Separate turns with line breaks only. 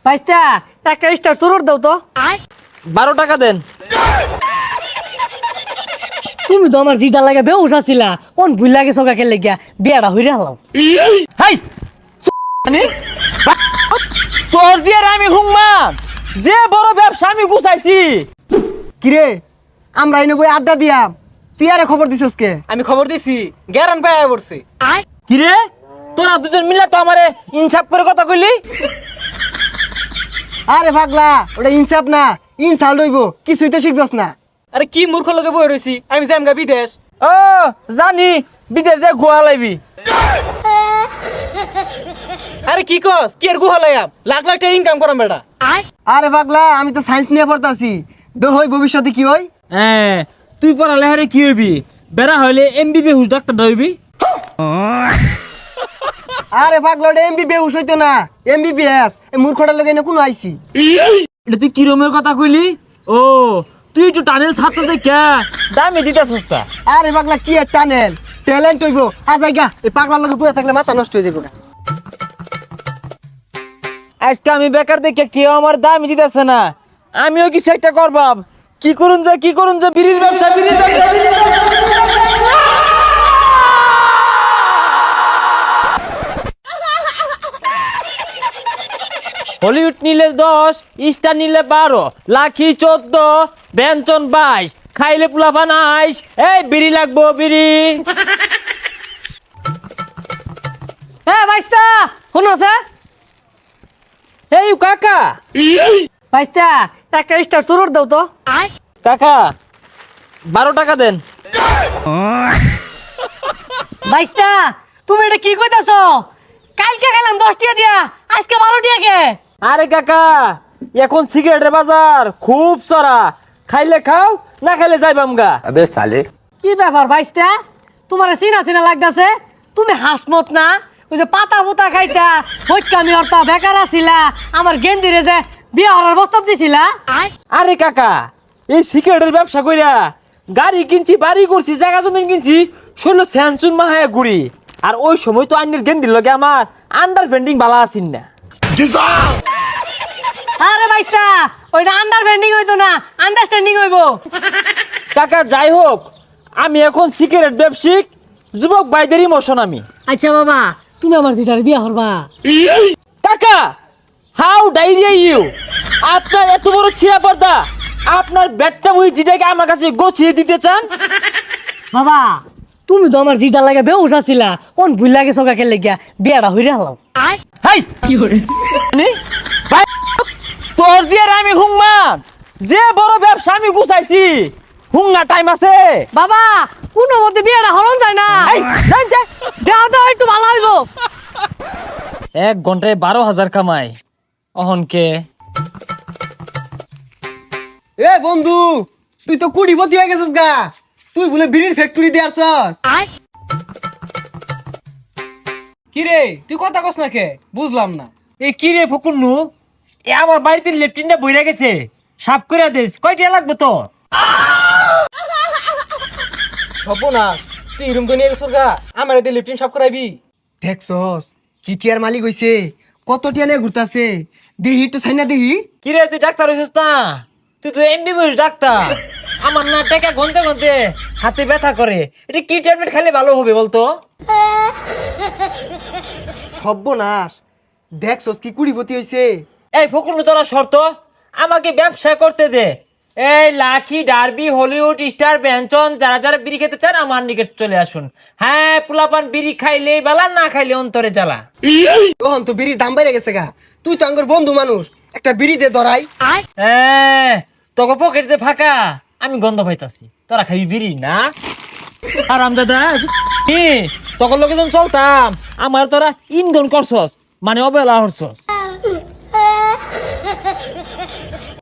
ভাইস্তা একটা স্টার সুরট দাও তো।
12 টাকা দেন।
তুমি তো আমার জিটা লাগে বেউস আছিলা, কোন ভুল লাগে সকাকে লেগিয়া বিয়াটা হইরে হালাও।
হাই তোর যে আর আমি হুংমান যে বড় ব্যবসা আমি গুছাইছি।
কিরে আমরা এনে বই আড্ডা দিয়াম, তুই আরে খবর দিছস কে?
আমি খবর দিছি গ্যারান পায়া পড়ছি।
কিরে তোরা দুজন মিলে তো আমারে ইনসাফ করে কথা কইলি।
আরে পাগলা, ওটা ইনসাফ না, ইনসাল্ট হইব, কিছুই তো শিখছস না।
আরে কি মূর্খ লোকে বই রইছি, আমি যাম গা বিদেশ।
ও জানি বিদেশ যে গোয়া লাইবি।
আরে কি কস, কি আর গুহা লাইয়াম, লাখ লাখ টাকা ইনকাম করাম বেটা।
আরে পাগলা, আমি তো সায়েন্স নিয়ে পড়তাছি, হই ভবিষ্যতে কি হই?
হ্যাঁ তুই পড়ালেখারে কি হইবি? বেড়া হইলে এমবিবিএস ডাক্তার হইবি।
আরে পাগলা, ওটা এমবিবিএস হইতো না, এমবিবিএস। এই মূর্খটার লগে এনে কোনো আইছি।
এটা তুই কিরমের কথা কইলি? ও তুই একটু টানেল ছাত্র দেখা দামে দিতে সস্তা।
আরে পাগলা, কি আর টানেল, ট্যালেন্ট হইব। আজাইগা এই পাগলার লগে বইয়া থাকলে মাথা নষ্ট হয়ে যাবে না।
আজকে আমি বেকার দেখে কেউ আমার দামই দিতেছে না, আমিও কিছু একটা করবাম। কি করুন যে বিড়ির ব্যবসা। হলিউড নিলে 10, স্টার নিলে 12, লাখি 14, ব্যঞ্জন 22, খাইলে পোলাপান 22। এই বিড়ি লাগবো বিড়ি।
হ্যাঁ ভাইস্তা শুনছে?
এই কাকা
ভাইস্তা একটা স্টার সুরট দাও তো।
কাকা 12 টাকা দেন।
ভাইস্তা তুমি এটা কি কইতাছ? কালকে গেলাম 10 টাকা দিয়া, আজকে 12 টাকা কে?
আরে কাকা এখন সিগারেটের বাজার খুব চড়া, খাইলে খাও না খাইলে যাইবাম গা।
अबे साले
কি ব্যাপার ভাইস্তা, তোমার চিনা চিনা লাগতাছে? তুমি হাসমত না, ওই যে পাতা পুতা খাইতা হইকামি অর্থ বেকার আছিলা, আমার গেন্দিরে যে বিয়া হওয়ার প্রস্তাব দিছিলা।
আরে কাকা এই সিগারেটের ব্যবসা কইরা গাড়ি কিনছি, বাড়ি করছি, জায়গা জমিন কিনছি, ষোলো স্যানচুন মাহায় ঘুরি। আর ওই সময় তো আইনের গেন্দির লগে আমার আন্ডারস্ট্যান্ডিং ভালো আছিন না।
আরে ভাইস্তা ওইটা আন্ডারস্ট্যান্ডিং হইতো না, আন্ডারস্ট্যান্ডিং হইবো।
কাকা যাই হোক, আমি এখন সিগারেট ব্যবসায়িক যুবক ভাইদের ইমোশন আমি।
আচ্ছা বাবা, তুমি আমার যেটার বিয়া হরবা।
কাকা হাউ ডাইরিয়া ইউ, আপনার এত বড় ছিঁড়া পর্দা, আপনার ব্যাটটা ওই জিটাকে আমার কাছে গোছিয়ে দিতে চান?
বাবা তুমি তো আমার জিটা লাগে বেউস আছিলা, কোন ভুল লাগে সকাকে লেগিয়া বিয়াটা হইরে হালাও।
হাই কি হরে ভাই, তোর যে আর আমি হুংমান যে বড় ব্যবসা আমি গুছাইছি, হুঙ্গা টাইম আছে?
বাবা কোনো মধ্যে বিয়াটা হরণ যায় না,
এই, যাই, যাই।
দেওয়া দাও একটু ভালো হইবো।
1 ঘন্টায় 12,000 কামাই অহনকে।
এ বন্ধু, তুই তো কুড়িপতি হয়ে গেছিস গা, তুই বলে বিড়ির ফ্যাক্টরি দিয়ে আসছস।
কি রে তুই কথা কস না কে, বুঝলাম না।
এই কি রে ফকুন্নু, এ আমার বাড়িতে লেফটিনটা বইরা গেছে, সাফ করে দিস। কয়টা লাগবে তো?
হবো না, তুই রুম তো নিয়ে গেছিস গা, আমার এতে লিফটিন সব করাইবি।
দেখছস কি টিয়ার মালিক হইছে, কত টিয়া নিয়ে ঘুরতাছে, দেহি তো সাইনা দেহি।
কি রে তুই ডাক্তার হইছিস না? তুই তো এমবিবিএস ডাক্তার। আমার না টাকা গনতে গনতে হাতে ব্যথা করে, এটা কি ট্যাবলেট খেলে ভালো হবে বলতো?
সর্বনাশ, দেখছস কি কুড়িপতি হইছে।
এই ফকুন্নু তোরা শর্ত আমাকে ব্যবসা করতে দে। এই লাখি, ডার্বি, হলিউড, স্টার, ব্যঞ্জন যারা যারা বিড়ি খেতে চান আমার নিকট চলে আসুন। হ্যাঁ পোলাপান বিড়ি খাইলে বালা, না খাইলে অন্তরে জ্বালা।
তখন তো বিড়ির দাম বাইরে গেছে গা, তুই তো আঙ্গর বন্ধু মানুষ, একটা বিড়ি দে ধরাই।
হ্যাঁ তোকে পকেট যে ফাঁকা, আমি গন্ধ পাইতাছি। তোরা খাবি বিড়ি না? আরাম দাদা তখন লোকে যখন চলতাম আমার তোরা ইন্ধন করছস, মানে অবহেলা হরছস।